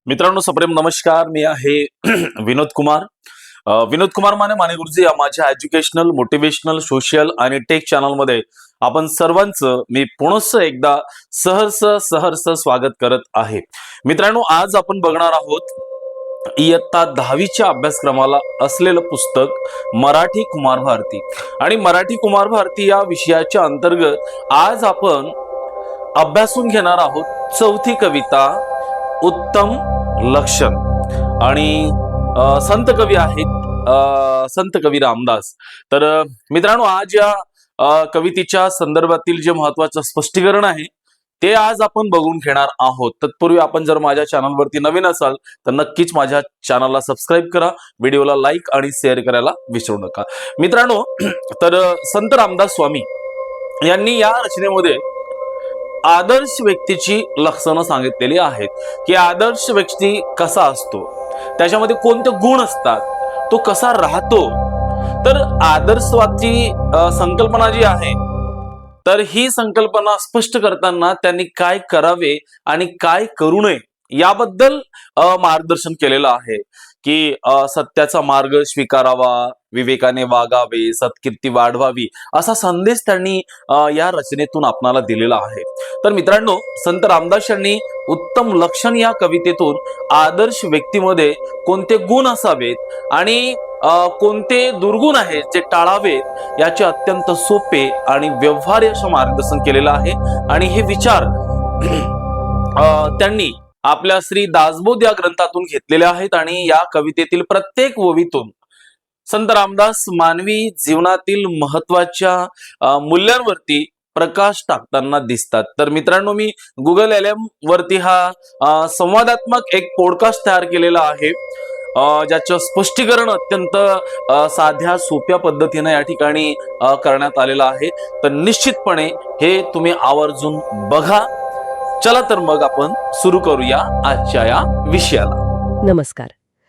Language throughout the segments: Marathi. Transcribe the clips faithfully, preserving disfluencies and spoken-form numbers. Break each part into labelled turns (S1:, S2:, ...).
S1: मित्रांनो सप्रेम नमस्कार. मी आहे विनोद कुमार. अ, विनोद कुमार माने माने गुरुजी या माझ्या एज्युकेशनल, मोटिवेशनल, सोशल आणि टेक चॅनलमध्ये आपण सर्वांचं मी पुनश्च एकदा सहर्ष सहर्ष स्वागत करत आहे. मित्रांनो, आज आपण बघणार आहोत इयत्ता दहावीच्या अभ्यासक्रमाला असलेलं पुस्तक मराठी कुमार भारती. आणि मराठी कुमार भारती या विषयाच्या अंतर्गत आज आपण अभ्यासून घेणार आहोत चौथी कविता उत्तम लक्षण. आणि अ, संत कवी आहेत अ, संत कवी रामदास. तर अ, मित्रांनो, आज या अ, कवितेच्या संदर्भातील जे महत्वाचं स्पष्टीकरण आहे ते आज आपण बघून घेणार आहोत. तत्पूर्वी आपण जर माझ्या चॅनलवरती नवीन असाल तर नक्कीच माझ्या चॅनलला सबस्क्राईब करा, व्हिडिओला लाईक आणि शेअर करायला विसरू नका. मित्रांनो, तर अ, संत रामदास स्वामी यांनी या रचनेमध्ये आदर्श व्यक्तीची लक्षणं सांगितलेली आहेत की आदर्श व्यक्ती कसा असतो, त्याच्यामध्ये कोणते गुण असतात, तो कसा राहतो. तर आदर्शवादी अ, संकल्पना जी आहे, तर ही संकल्पना स्पष्ट करताना त्यांनी काय करावे आणि काय करू नये याबद्दल अ, मार्गदर्शन केलेलं आहे. की अ, सत्याचा मार्ग स्वीकारावा, विवेकाने वागावे, सत्कीर्ती वाढवावी, असा संदेश त्यांनी अ, या रचनेतून आपणाला दिलेला आहे. तर मित्रांनो, संत रामदास यांनी उत्तम लक्षण या कवितेतून आदर्श व्यक्तीमध्ये कोणते गुण असावेत आणि अ, कोणते दुर्गुण आहेत जे टाळावेत याचे अत्यंत सोपे आणि व्यवहार्य असं मार्गदर्शन केलेलं आहे. आणि हे विचार अ, त्यांनी आपल्या श्री दासबोध या ग्रंथातून घेतलेले आहेत. आणि या कवितेतील प्रत्येक ओवीतून संत रामदास मानवी जीवनातील महत्वाच्या अ, मूल्यांवरती प्रकाश टाकताना दिसतात. तर मित्रांनो, मी गुगल एल एम वरती हा अ, संवादात्मक एक पॉडकास्ट तयार केलेला आहे, अ, ज्याचं स्पष्टीकरण अत्यंत अ, साध्या सोप्या पद्धतीने या ठिकाणी अ, करण्यात आलेलं आहे. तर निश्चितपणे हे तुम्ही आवर्जून बघा. चला तर मग आपण सुरू करूया आजच्या या विषयाला.
S2: नमस्कार.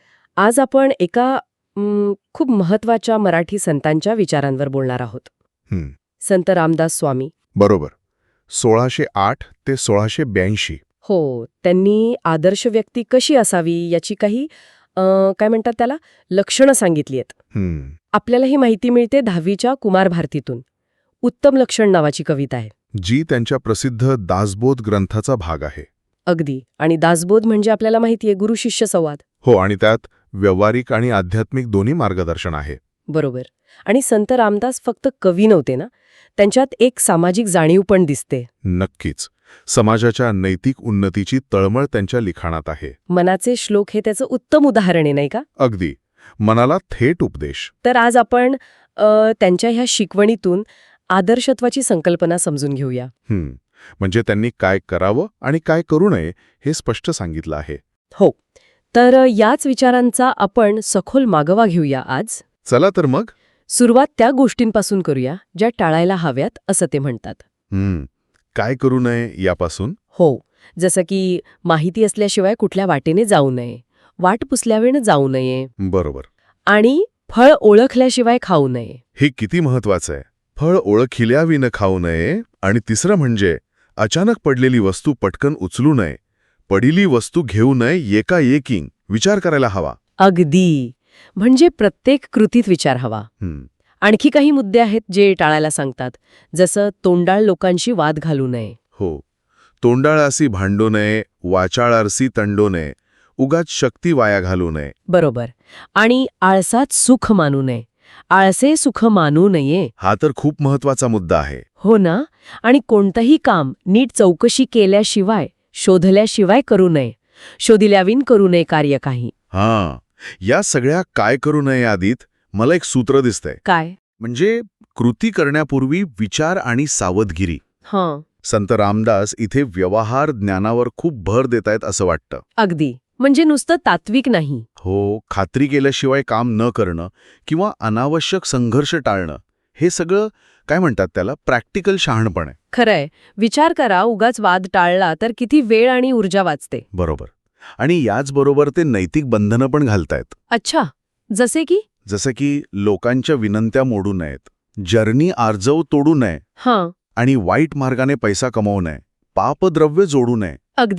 S2: आज आपण एका म, खूप महत्वाच्या मराठी संतांच्या विचारांवर बोलणार आहोत.
S3: हं,
S2: संत रामदास स्वामी.
S3: बरोबर. सोळाशे आठ ते सोळाशे ब्याऐंशी.
S2: हो, त्यांनी आदर्श व्यक्ती कशी असावी याची काही अ, काय म्हणतात त्याला लक्षणं सांगितली आहेत.
S3: हं,
S2: आपल्याला ही माहिती मिळते दहावीच्या कुमार भारतीतून. उत्तम लक्षण नावाची कविता आहे.
S3: जी त्यांच्या प्रसिद्ध दासबोध ग्रंथाचा भाग आहे.
S2: अगदी. आणि दासबोध म्हणजे आपल्याला माहिती आहे गुरु शिष्य संवाद.
S3: हो, आणि त्यात व्यावहारिक आणि आध्यात्मिक दोन्ही मार्गदर्शन आहे.
S2: बरोबर. आणि संत रामदास फक्त कवी नव्हते ना, त्यांच्यात एक सामाजिक जाणीव पण दिसते.
S3: नक्कीच. समाजाच्या नैतिक उन्नतीची तळमळ त्यांच्या लिखाणात आहे.
S2: मनाचे श्लोक हे त्याचं उत्तम उदाहरण आहे, नाही का?
S3: अगदी. मनाला थेट उपदेश.
S2: तर आज आपण अ, त्यांच्या ह्या शिकवणीतून आदर्शत्वाची संकल्पना समजून घेऊया.
S3: हं, म्हणजे त्यांनी काय करावं आणि काय करू नये हे स्पष्ट सांगितलं आहे.
S2: हो. तर अ, याच विचारांचा आपण सखोल मागोवा घेऊया आज.
S3: चला तर मग.
S2: सुरुवात त्या गोष्टींपासून करूया ज्या टाळायला हव्यात असं ते म्हणतात.
S3: हं, काय करू नये यापासून.
S2: हो, जसं की माहिती असल्याशिवाय कुठल्या वाटेने जाऊ नये, वाट पुसल्यावेळेने जाऊ नये
S3: बरोबर.
S2: आणि फळ ओळखल्याशिवाय खाऊ नये.
S3: हे किती महत्वाचं आहे. फळ ओळखिल्याविनं खाऊ नये. आणि तिसरं म्हणजे अचानक पडलेली वस्तू पटकन उचलू नये. पडिली वस्तू घेऊ नये एकाएकी विचार करायला हवा.
S2: अगदी. म्हणजे प्रत्येक कृतीत विचार हवा.
S3: हं,
S2: आणखी काही मुद्दे आहेत जे टाळायला सांगतात, जसं तोंडाळ लोकांशी वाद घालू नये.
S3: हो. तोंडाळासी भांडू नये, वाचाळारसी तंडू नये, उगाच शक्ती वाया घालू नये.
S2: बरोबर. आणि आळसात सुख मानू नये. आळसे सुख मानू नये.
S3: हा तर खूप महत्वाचा मुद्दा आहे.
S2: हो ना. आणि कोणतंही काम नीट चौकशी केल्याशिवाय, शोधल्याशिवाय करू नये. शोधिल्याविन करू नये कार्य काही.
S3: हां, या सगळ्या काय करू नये आधीत मला एक सूत्र दिसतंय.
S2: काय?
S3: म्हणजे कृती करण्यापूर्वी विचार आणि सावधगिरी.
S2: हां,
S3: संत रामदास इथे व्यवहार ज्ञानावर खूप भर देतायत असं वाटतं.
S2: अगदी. म्हणजे नुसतं तात्विक नाही.
S3: हो, खात्री केल्याशिवाय काम न करणं किंवा अनावश्यक संघर्ष टाळणं हे सगळं काय म्हणतात त्याला प्रॅक्टिकल शहाणपण आहे.
S2: खरंय. विचार करा, उगाच वाद टाळला तर किती वेळ आणि ऊर्जा वाचते.
S3: बरोबर. आणि याचबरोबर ते नैतिक बंधनं पण घालतायत.
S2: अच्छा, जसे की?
S3: जसं की लोकांच्या विनंत्या मोडू नयेत, जर्नी आर्जव तोडू नये
S2: हां,
S3: आणि वाईट मार्गाने पैसा कमवू नये, पापद्रव्य जोडू नये.
S2: अगदी.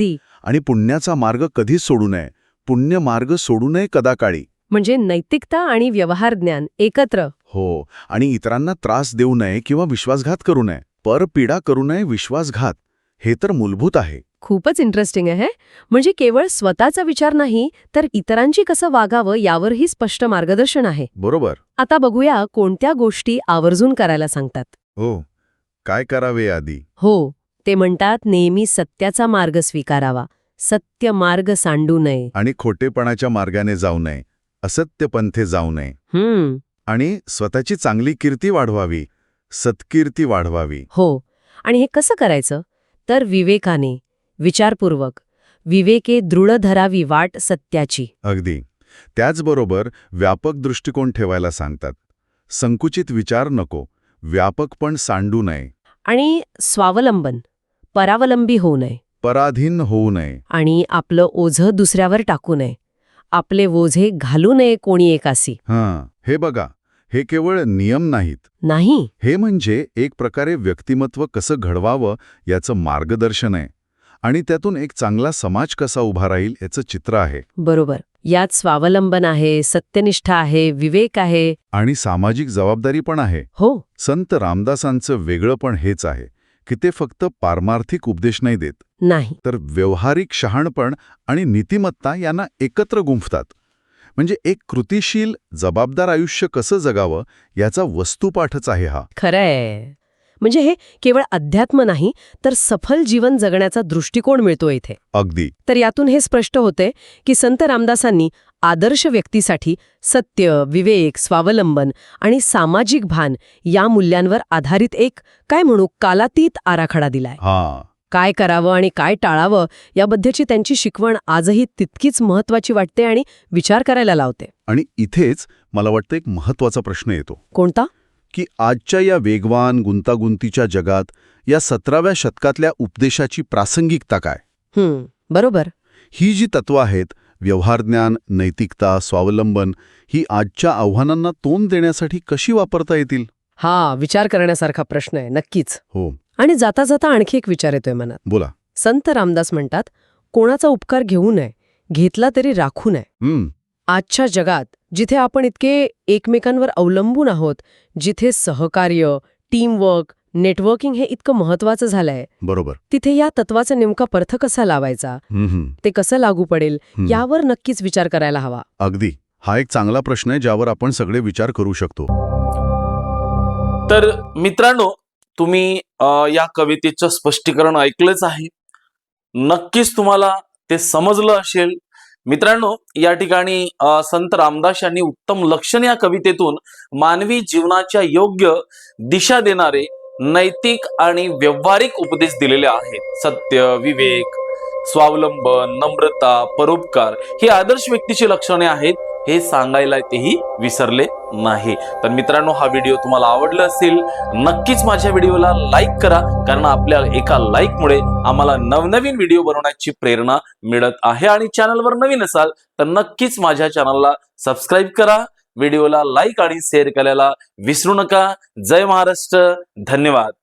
S3: आणि पुण्याचा मार्ग कधीच सोडू नये. पुण्य मार्ग सोडू नये कदाकाळी.
S2: म्हणजे नैतिकता आणि व्यवहार ज्ञान एकत्र.
S3: हो, आणि इतरांना त्रास देऊ नये किंवा विश्वासघात करू नये. परपीडा करू नये, विश्वासघात. हे तर मूलभूत आहे.
S2: खूपच इंटरेस्टिंग आहे. म्हणजे केवळ स्वतःचा विचार नाही, तर इतरांची कसं वागावं यावरही स्पष्ट मार्गदर्शन आहे.
S3: बरोबर.
S2: आता बघूया कोणत्या गोष्टी आवर्जून करायला सांगतात.
S3: हो, काय करावे आधी?
S2: हो, ते म्हणतात नेहमी सत्याचा मार्ग स्वीकारावा, सत्य मार्ग सांडू नये.
S3: आणि खोटेपणाच्या मार्गाने जाऊ नये, असत्य पंथे जाऊ नये.
S2: हम्म,
S3: आणि स्वतःची चांगली कीर्ती वाढवावी, सत्कीर्ती वाढवावी.
S2: हो. आणि हे कसं करायचं? तर विवेकाने, विचारपूर्वक. विवेके दृढ धरावी वाट सत्याची.
S3: अगदी. त्याचबरोबर व्यापक दृष्टिकोन ठेवायला सांगतात. संकुचित विचार नको, व्यापक पण सांडू नये.
S2: आणि स्वावलंबन, परावलंबी होऊ नये.
S3: पराधीन होऊ नये.
S2: आणि आपलं ओझं दुसऱ्यावर टाकू नये. आपले ओझे घालू नये कोणी एकासी.
S3: हां, हे बघा, हे केवळ नियम नाहीत.
S2: नाही.
S3: हे म्हणजे एक प्रकारे व्यक्तिमत्व कसं घडवावं याचं मार्गदर्शन आहे. आणि त्यातून एक चांगला समाज कसा उभा राहील याचं चित्र आहे.
S2: बरोबर. यात स्वावलंबन आहे, सत्यनिष्ठा आहे, विवेक आहे.
S3: आणि सामाजिक जबाबदारी पण आहे.
S2: हो.
S3: संत रामदासांचं वेगळं पण हेच आहे की ते फक्त पारमार्थिक उपदेश नाही देत,
S2: नाही.
S3: तर व्यावहारिक शहाणपण आणि नीतिमत्ता यांना एकत्र गुंफतात. म्हणजे एक कृतिशील, जबाबदार आयुष्य कसं जगावं याचा वस्तुपाठच आहे हा.
S2: खरंय. म्हणजे हे केवळ अध्यात्म नाही, तर सफल जीवन जगण्याचा दृष्टिकोन मिळतो इथे.
S3: अगदी.
S2: तर यातून हे स्पष्ट होते की संत रामदासांनी आदर्श व्यक्तीसाठी सत्य, विवेक, स्वावलंबन आणि सामाजिक भान या मूल्यांवर आधारित एक, काय म्हणू, कालातीत आराखडा दिलाय.
S3: हा.
S2: काय करावं आणि काय टाळावं याबद्दलची त्यांची शिकवण आजही तितकीच महत्वाची वाटते आणि विचार करायला लावते.
S3: आणि इथेच मला वाटतं एक महत्वाचा प्रश्न येतो.
S2: कोणता?
S3: की आजच्या या वेगवान, गुंतागुंतीच्या जगात या सतराव्या शतकातल्या उपदेशाची प्रासंगिकता काय?
S2: हम्म, बरोबर.
S3: ही जी तत्त्व आहेत, व्यवहारज्ञान, नैतिकता, स्वावलंबन, ही आजच्या आव्हानांना तोंड देण्यासाठी कशी वापरता येतील?
S2: हा विचार करण्यासारखा प्रश्न आहे, नक्कीच.
S3: हो.
S2: आणि जाता जाता आणखी एक विचार येतोय मनात.
S3: बोला.
S2: संत रामदास म्हणतात, कोणाचा उपकार घेऊ नये, घेतला तरी राखू नये.
S3: हम्म.
S2: आजच्या जगात जिथे आपण इतके एकमेकांवर अवलंबून आहोत, जिथे सहकार्य, टीमवर्क, नेटवर्किंग हे इतकं महत्वाचं झालंय,
S3: बरोबर.
S2: तिथे या तत्वाचा नेमका पर्थ कसा लावायचा,
S3: हम्म.
S2: ते कसं लागू पडेल,
S3: हम्म.
S2: यावर नक्कीच विचार करायला हवा.
S3: अगदी. हा एक चांगला प्रश्न आहे ज्यावर आपण सगळे विचार करू शकतो.
S1: तर मित्रांनो, तुम्ही अ, या कवितेचं स्पष्टीकरण ऐकलंच आहे. नक्कीच तुम्हाला ते समजलं असेल. मित्रांनो, या ठिकाणी अ, संत रामदास यांनी उत्तम लक्षण या कवितेतून मानवी जीवनाच्या योग्य दिशा देणारे नैतिक आणि व्यावहारिक उपदेश दिलेले आहेत. सत्य, विवेक, स्वावलंबन, नम्रता, परोपकार ही आदर्श व्यक्तीची लक्षणे आहेत हे सांगायला तेही विसरले नाही. तर मित्रांनो, हा व्हिडिओ तुम्हाला आवडला असेल, नक्कीच माझ्या व्हिडिओला लाईक करा, कारण आपल्या एका लाईकमुळे आम्हाला नवनवीन व्हिडिओ बनवण्याची प्रेरणा मिळत आहे. आणि चॅनलवर नवीन असाल तर नक्कीच माझ्या चॅनलला सबस्क्राईब करा, व्हिडिओला लाईक आणि शेअर करायला विसरू नका. जय महाराष्ट्र. धन्यवाद.